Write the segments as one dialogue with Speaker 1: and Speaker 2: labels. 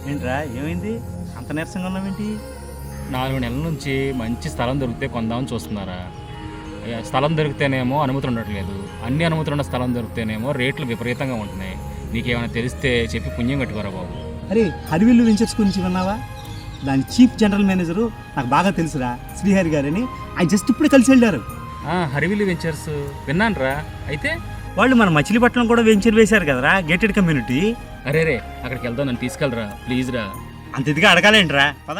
Speaker 1: ఏంట్రా ఏమైంది అంత నీరసంగా ఉన్నావేంటి?
Speaker 2: 4 నెలల నుంచి మంచి స్థలం దొరికితే కొందామని చూస్తున్నారా? స్థలం దొరికితేనేమో అనుమతులు ఉండట్లేదు, అన్ని అనుమతులు ఉన్న స్థలం దొరికితేనేమో రేట్లు విపరీతంగా ఉంటున్నాయి. నీకేమైనా తెలిస్తే చెప్పి పుణ్యం కట్టుకోరా బాబు.
Speaker 1: అరే హరివిల్లు వెంచర్స్ గురించి విన్నావా? దాని చీఫ్ జనరల్ మేనేజరు నాకు బాగా తెలుసురా, శ్రీహరి గారని. ఆయన జస్ట్ ఇప్పుడే కలిసి వెళ్ళారు.
Speaker 2: హరివిల్లు వెంచర్స్ విన్నాను రా. అయితే
Speaker 1: వాళ్ళు మన మచిలీపట్నం కూడా వెంచర్ వేశారు కదరా, గేటెడ్ కమ్యూనిటీ.
Speaker 2: అరే అక్కడికి వెళ్దాం, నన్ను తీసుకెళ్ళరా ప్లీజ్ రా.
Speaker 1: అంత ఇదిగా అడగాలేంట్రా, పద.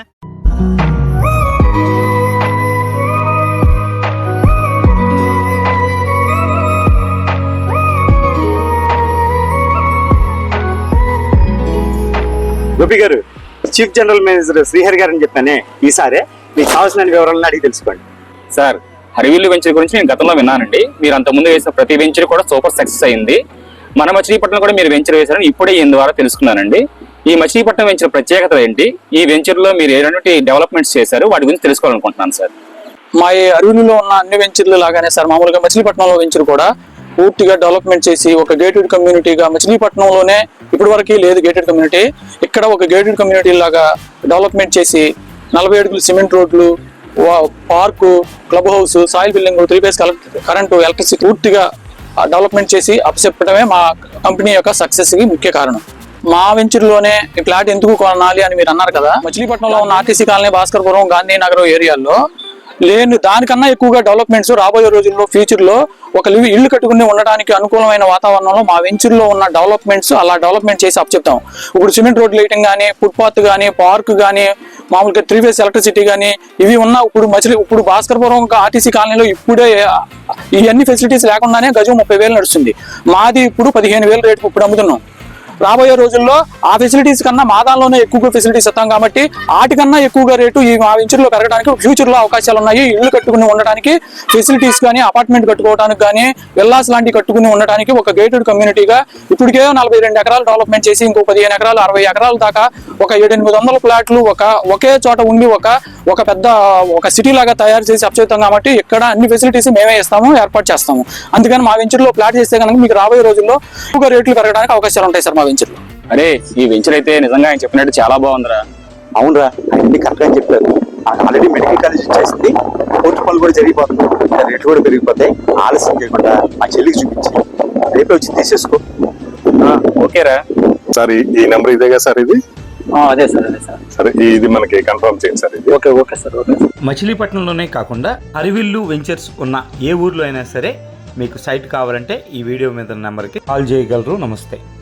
Speaker 1: గోపి గారు, చీఫ్ జనరల్ మేనేజర్ శ్రీహరి గారు అని చెప్పానే, ఈసారి మీకు కావాల్సిన వివరాలను అడిగి తెలుసుకోండి.
Speaker 2: సార్, హరివిల్లు వెంచర్ గురించి నేను గతంలో విన్నానండి. మీరు అంతకుముందు వేసిన ప్రతి వెంచర్ కూడా సూపర్ సక్సెస్ అయింది. మన మచిలీపట్నం కూడా మీరు వెంచర్ వేశారని ఇప్పుడే ఈయన ద్వారా తెలుసుకున్నానండి. ఈ మచిలీపట్నం వెంచర్ ప్రత్యేకత ఏంటి? ఈ వెంచర్లో మీరు ఎలాంటి డెవలప్మెంట్స్ చేశారు, వాటి గురించి తెలుసుకోవాలనుకుంటున్నాను సార్.
Speaker 3: మా అరవిల్లులో ఉన్న అన్ని వెంచర్లు లాగానే సార్, మామూలుగా మచిలీపట్నంలో వెంచర్ కూడా పూర్తిగా డెవలప్మెంట్ చేసి ఒక గేటెడ్ కమ్యూనిటీగా, మచిలీపట్నంలోనే ఇప్పటి వరకు లేదు గేటెడ్ కమ్యూనిటీ, ఇక్కడ ఒక గేటెడ్ కమ్యూనిటీ లాగా డెవలప్మెంట్ చేసి 40 అడుగులు సిమెంట్ రోడ్లు, park, club house, soil building, 3 phase current, electricity పూర్తిగా డెవలప్మెంట్ చేసి అప్పచెప్పడమే మా కంపెనీ యొక్క సక్సెస్ కి ముఖ్య కారణం. మా వెంచర్లోనే ఈ ప్లాట్ ఎందుకు కొనాలి అని మీరు అన్నారు కదా, మచిలీపట్నంలో ఉన్న ఆర్టీసీ కాలనీ, భాస్కర్పురం, గాంధీనగర్ ఏరియాల్లో లేని దానికన్నా ఎక్కువగా డెవలప్మెంట్స్ రాబోయే రోజుల్లో ఫ్యూచర్లో ఒక ఇల్లు కట్టుకుని ఉండడానికి అనుకూలమైన వాతావరణంలో మా వెంచర్లో ఉన్న డెవలప్మెంట్స్ అలా డెవలప్మెంట్ చేసి అప్పచెప్తాం. ఇప్పుడు సిమెంట్ రోడ్ లైటింగ్ కానీ, ఫుట్పాత్ కానీ, పార్క్ కానీ, మామూలుగా 3 ఫేజ్ ఎలక్ట్రిసిటీ కానీ ఇవి ఉన్న ఇప్పుడు భాస్కర్పురం ఆర్టీసీ కాలనీలో ఇప్పుడే ఇవన్నీ ఫెసిలిటీస్ లేకుండానే గజం 30,000 నడుస్తుంది. మాది ఇప్పుడు 15,000 రేటుకు ఇప్పుడు అమ్ముతున్నాం. రాబోయే రోజుల్లో ఆ ఫెసిలిటీస్ కన్నా మా దానిలోనే ఎక్కువగా ఫెసిలిటీస్ ఇస్తాం కాబట్టి వాటికన్నా ఎక్కువగా రేటు ఈ మా వెంచర్లో పెరగడానికి ఫ్యూచర్లో అవకాశాలు ఉన్నాయి. ఇల్లు కట్టుకుని ఉండడానికి ఫెసిలిటీస్ కానీ, అపార్ట్మెంట్ కట్టుకోవడానికి కానీ, విల్లాస్ లాంటివి కట్టుకుని ఉండడానికి ఒక గేటెడ్ కమ్యూనిటీగా ఇప్పటికే 42 ఎకరాలు డెవలప్మెంట్ చేసి ఇంకో 15 ఎకరాలు, 60 ఎకరాల దాకా ఒక 700-800 ప్లాట్లు ఒకే చోట ఉండి ఒక పెద్ద సిటీ లాగా తయారు చేసి అప్పచెప్తాం కాబట్టి ఇక్కడ అన్ని ఫెసిలిటీస్ మేమే ఇస్తాము, ఏర్పాటు చేస్తాము. అందుకని మా వెంచర్లో ప్లాట్ చేస్తే కనుక మీకు రాబోయే రోజుల్లో ఎక్కువగా రేట్లు పెరగడానికి అవకాశాలు ఉంటాయి సార్ మా వెంచర్లో.
Speaker 2: అరే ఈ వెంచర్ అయితే నిజంగా ఆయన చెప్పినట్టు చాలా బాగుందిరా.
Speaker 1: అవునరా, అన్ని కరెక్ట్గా చెప్పారు. ఆల్రెడీ మెడికల్ కాలేజ్ వచ్చేసింది, కోర్టు పనులు కూడా జరిగిపోతుంది, రేట్లు కూడా పెరిగిపోతాయి. ఆలస్యం చేయకుండా మా చెల్లికి చూపించి రేపే వచ్చి తీసేసుకో.
Speaker 2: ఓకేరా
Speaker 4: సార్, ఈ నెంబర్ ఇదేగా సార్? ఇది
Speaker 1: అదే సార్, అదే సార్.
Speaker 4: సరే, ఇది మనకి కన్ఫర్మ్ చేయండి సార్. ఇది
Speaker 1: ఓకే సార్. మచిలీపట్నంలోనే కాకుండా హరివిల్లు వెంచర్స్ ఉన్న ఏ ఊర్లో అయినా సరే మీకు సైట్ కావాలంటే ఈ వీడియో మీద నెంబర్కి కాల్ చేయగలరు. నమస్తే.